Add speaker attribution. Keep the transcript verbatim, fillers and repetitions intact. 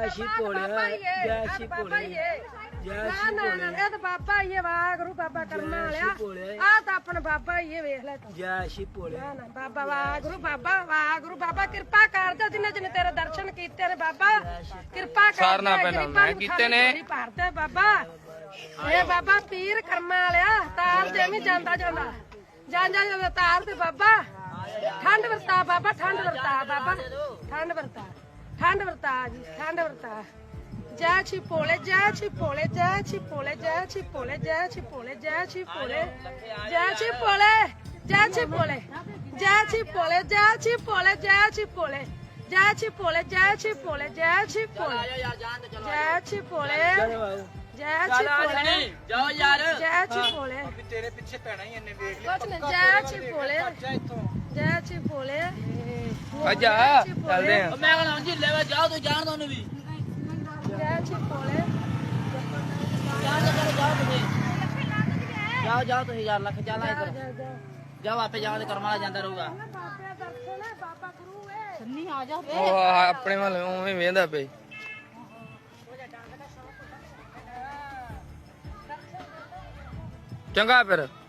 Speaker 1: ਜੈ ਸ਼੍ਰੀ ਭੋਲੇ ਜੈ ਸ਼੍ਰੀ ਭੋਲੇ ਜੈ ਸ਼੍ਰੀ ਭੋਲੇ
Speaker 2: ਇਹ ਤਾਂ ਬਾਬਾ ਹੀ ਹੈ ਵਾਹਿਗੁਰੂ ਬਾਬਾ ਕਰਮਾਂ ਵਾਲਿਆ ਆ ਤਾਂ ਆਪਣਾ ਬਾਬਾ ਹੀ ਹੈ ਵੇਖ ਲੈ ਤੂੰ
Speaker 1: ਜੈ ਸ਼੍ਰੀ ਭੋਲੇ
Speaker 2: ਨਾ ਨਾ ਬਾਬਾ ਵਾਹਿਗੁਰੂ ਬਾਬਾ ਵਾਹਿਗੁਰੂ ਬਾਬਾ ਕਿਰਪਾ ਕਰ ਦੇ ਜਿੰਨੇ ਜਿੰਨੇ ਤੇਰੇ ਦਰਸ਼ਨ ਕੀਤੇ ਨੇ ਬਾਬਾ ਕਿਰਪਾ ਕਰ
Speaker 3: ਸਾਰਨਾ ਪਹਿਲਾਂ ਮੈਂ ਕੀਤੇ ਨੇ
Speaker 2: ਭਰਦੇ ਬਾਬਾ ਇਹ ਬਾਬਾ ਪੀਰ ਕਰਮਾਂ ਵਾਲਿਆ ਤਾਰ ਤੇ ਵੀ ਜਾਂਦਾ ਜਾਂਦਾ ਜਾਂਦਾ ਜਾਂਦਾ ਤਾਰ ਤੇ ਬਾਬਾ ਠੰਡ ਵਰਤਾ ਬਾਬਾ ਠੰਡ ਵਰਤਾ ਬਾਬਾ ਠੰਡ ਵਰਤਾ ਠੰਡ ਵਰਤਾ ਜੀ ਠੰਡ ਵਰਤਾ ਜੈ ਛੀ ਭੋਲੇ ਜੈ ਛੀ ਭੋਲੇ ਜੈ ਛੀ ਭੋਲੇ ਜੈ ਛੀ ਭੋਲੇ ਜੈ ਛੀ ਭੋਲੇ ਜੈ ਛੀ ਭੋਲੇ ਜੈ ਛੀ ਭੋਲੇ ਜੈ ਛੀ ਭੋਲੇ ਜੈ ਛੀ ਭੋਲੇ ਜੈ ਛੀ ਭੋਲੇ ਜੈ ਛੀ ਭੋਲੇ ਜੈ ਛੀ ਭੋਲੇ ਜੈ ਛੀ ਭੋਲੇ ਜੈ ਛੀ ਭੋਲੇ ਜੈ ਛੀ ਭੋਲੇ ਜੈ ਛੀ ਭੋਲੇ
Speaker 3: ਜਾਓ ਯਾਰ
Speaker 2: ਜੈ ਛੀ ਭੋਲੇ
Speaker 3: ਤੇਰੇ ਪਿੱਛੇ ਪੈਣਾ ਹੀ ਇਹਨੇ ਵੇਖ
Speaker 2: ਕੁਛ ਨਹੀਂ ਜੈ ਛੀ ਭੋਲੇ ਜੈ ਛੀ ਭੋਲੇ
Speaker 3: ਅੱਜਾ ਚੱਲਦੇ ਆ ਮੈਂ ਕਹਿੰਦਾ ਜੀ ਲੈ ਵਾ ਜਾਓ ਤੂੰ ਜਾਣ ਦੋ ਉਹਨੂੰ ਵੀ
Speaker 2: ਜੈ ਛੀ ਭੋਲੇ
Speaker 3: ਜਾਓ ਜਾਓ ਤੁਸੀਂ ਜਾਓ ਜਾਓ ਤੁਸੀਂ ਯਾਰ ਲੱਖ ਚੱਲ ਆਏ ਕਰੋ ਜਾਓ ਆਪੇ ਜਾਓ ਤੇ ਕਰਮਾਂ ਵਾਲਾ ਜਾਂਦਾ ਰਹੂਗਾ
Speaker 2: ਬਾਬੇ ਦਰਸ਼ਨ ਹੈ ਬਾਬਾ ਗੁਰੂ ਹੈ
Speaker 4: ਸੰਨੀ ਆ ਜਾ
Speaker 3: ਉਹ ਆਪਣੇ ਵੱਲ ਉਵੇਂ ਵੇਂਦਾ ਪਈ ਚੰਗਾ ਫਿਰ